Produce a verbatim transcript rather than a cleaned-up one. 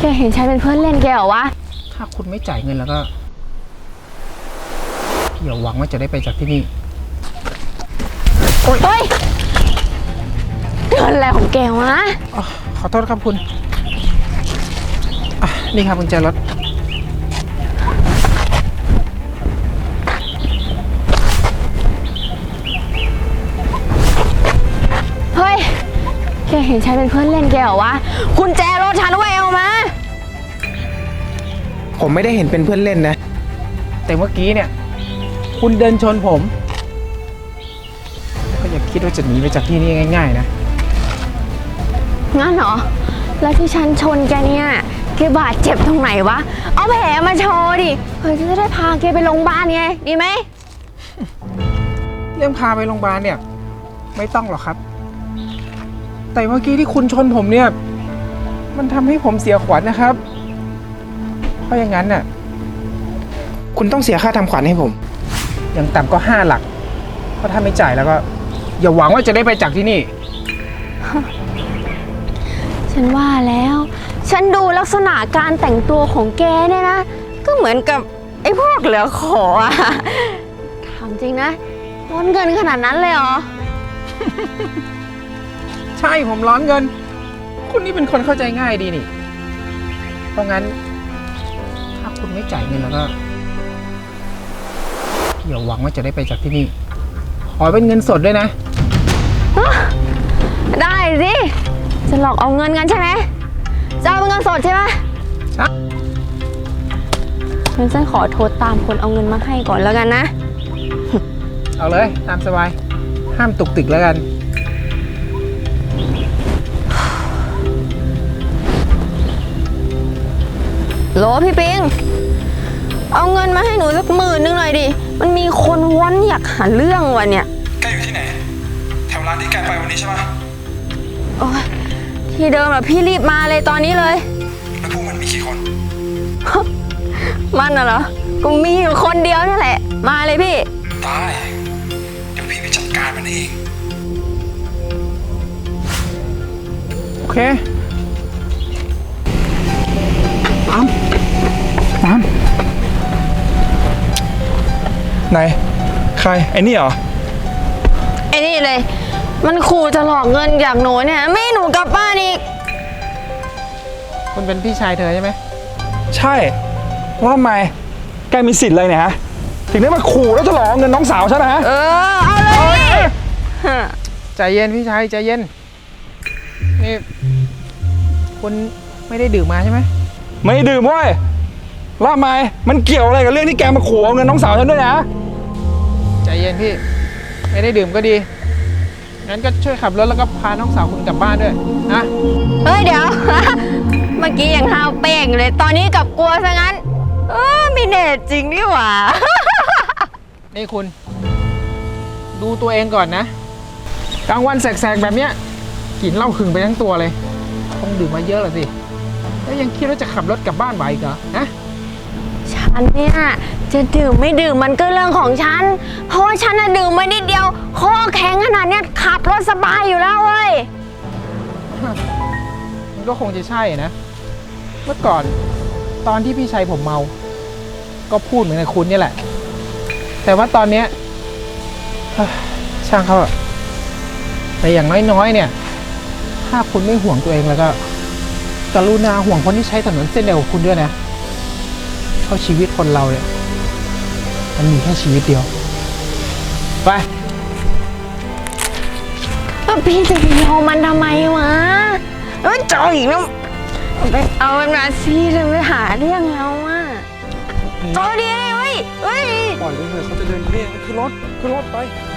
แกเห็นฉันเป็นเพื่อนเล่นแกเหรอวะถ้าคุณไม่จ่ายเงินแล้วก็อย่าหวังว่าจะได้ไปจากที่นี่โอ๊ยเฮ้ยเงินอะไรของแกวะขอโทษครับคุณนี่ครับกุญแจรถเฮ้ยแกเห็นฉันเป็นเพื่อนเล่นแกเหรอวะกุญแจรถฉันไว้เอามาผมไม่ได้เห็นเป็นเพื่อนเล่นนะแต่เมื่อกี้เนี่ยคุณเดินชนผมก็อย่าคิดว่าจะหนีไปจากที่นี่ง่ายๆนะงั้นเหรอแล้วที่ฉันชนแกเนี่ยแกบาดเจ็บตรงไหนวะเอาแผลมาโชว์ดิเพื่อจะได้พาแกไปโรงพยาบาลไงดีไหมเรื่องพาไปโรงพยาบาลเนี่ยไม่ต้องหรอกครับแต่เมื่อกี้ที่คุณชนผมเนี่ยมันทำให้ผมเสียขวัญนะครับเพราะอย่างนั้นน่ะคุณต้องเสียค่าทำขวัญให้ผมอย่างต่ำก็ห้าหลักเพราะถ้าไม่จ่ายแล้วก็อย่าหวังว่าจะได้ไปจากที่นี่ฉันว่าแล้วฉันดูลักษณะการแต่งตัวของแกเนี่ยนะก็เหมือนกับไอ้พวกเหลือขออะถามจริงนะร้อนเงินขนาดนั้นเลยเหรอใช่ผมร้อนเงินคุณนี่เป็นคนเข้าใจง่ายดีนี่เพราะงั้นถ้าคุณไม่จ่ายเงินแล้วก็อย่าหวังว่าจะได้ไปจากที่นี่ขอเป็นเงินสดด้วยนะได้สิจะหลอกเอาเงินกันใช่ไหมจะเอาเป็นเงินสดใช่ไหมใช่งั้นฉันขอโทรตามคนเอาเงินมาให้ก่อนแล้วกันนะเอาเลยตามสบายห้ามตุกติกแล้วกันโหลพี่ปิงเอาเงินมาให้หนูสักหมื่นนึงหน่อยดิมันมีคนว้อนอยากหาเรื่องวันเนี่ยแกอยู่ที่ไหนแถวร้านที่แกไปวันนี้ใช่ปะโอ้ยที่เดิมอะพี่รีบมาเลยตอนนี้เลยแล้วพวกมันมีกี่คนมันน่ะเหรอก็มีอยู่คนเดียวนั่นแหละมาเลยพี่ตายเดี๋ยวพี่ไปจัดการมันเองโอเคตามตามไหนใครไอ้นี่เหรอไอ้นี่เลยมันขู่จะหลอกเงินจากหนูเนี่ยไม่ให้หนูกลับบ้านอีกคุณเป็นพี่ชายเธอใช่ไหมใช่ว่าทำไมแกมีสิทธิ์เลยเนี่ยฮะถึงได้มาขู่แล้วจะหลอกเงินน้องสาวฉันนะฮะเออเอาเลยใจเย็นพี่ชายใจเย็นนี่คุณไม่ได้ดื่มมาใช่ไหมไม่ดื่มเว้ยแล้วทำไมมันเกี่ยวอะไรกับเรื่องที่แกมาขู่เอาเงินน้องสาวฉันด้วยนะใจเย็นพี่ไม่ได้ดื่มก็ดีงั้นก็ช่วยขับรถแล้วก็พาน้องสาวคุณกลับบ้านด้วยนะเฮ้ยเดี๋ยวเมื่อกี้ยังห้าวเป้งเลยตอนนี้กลับกลัวซะงั้นเออไม่แน่จริงนี่หว่านี่คุณดูตัวเองก่อนนะกลางวันแสกๆแบบเนี้ยกินเหล้าขึงไปทั้งตัวเลยคงดื่มมาเยอะหรอสิแล้วยังคิดว่าจะขับรถกลับบ้านไหวอีกเหรอฮะฉันเนี่ยจะดื่มไม่ดื่มมันก็เรื่องของฉันเพราะว่าฉันน่ะดื่มมานิดเดียวคอแข็งขนาดเนี้ยขับรถสบายอยู่แล้วเว้ยมันก็คงจะใช่นะเมื่อก่อนตอนที่พี่ชายผมเมาก็พูดเหมือนกับคุณนี่แหละแต่ว่าตอนเนี้ยช่างเขาอะแต่อย่างน้อยๆเนี่ยถ้าคุณไม่ห่วงตัวเองแล้วก็กรุณาห่วงคนที่ใช้ถนนเส้นเดียวกับคุณด้วยนะเพราะชีวิตคนเราเนี่ยมันมีแค่ชีวิตเดียวไปพี่จะไปยอมมันทำไมวะเอ้ยจ่ออีกแล้วไปเอามันมาสิจะไปหาเรื่องเราอ่ะจ่อดีเลยเว้ยเฮ้ยปล่อยไปเถอะเขาจะเดินเรียกคือรถคือรถไป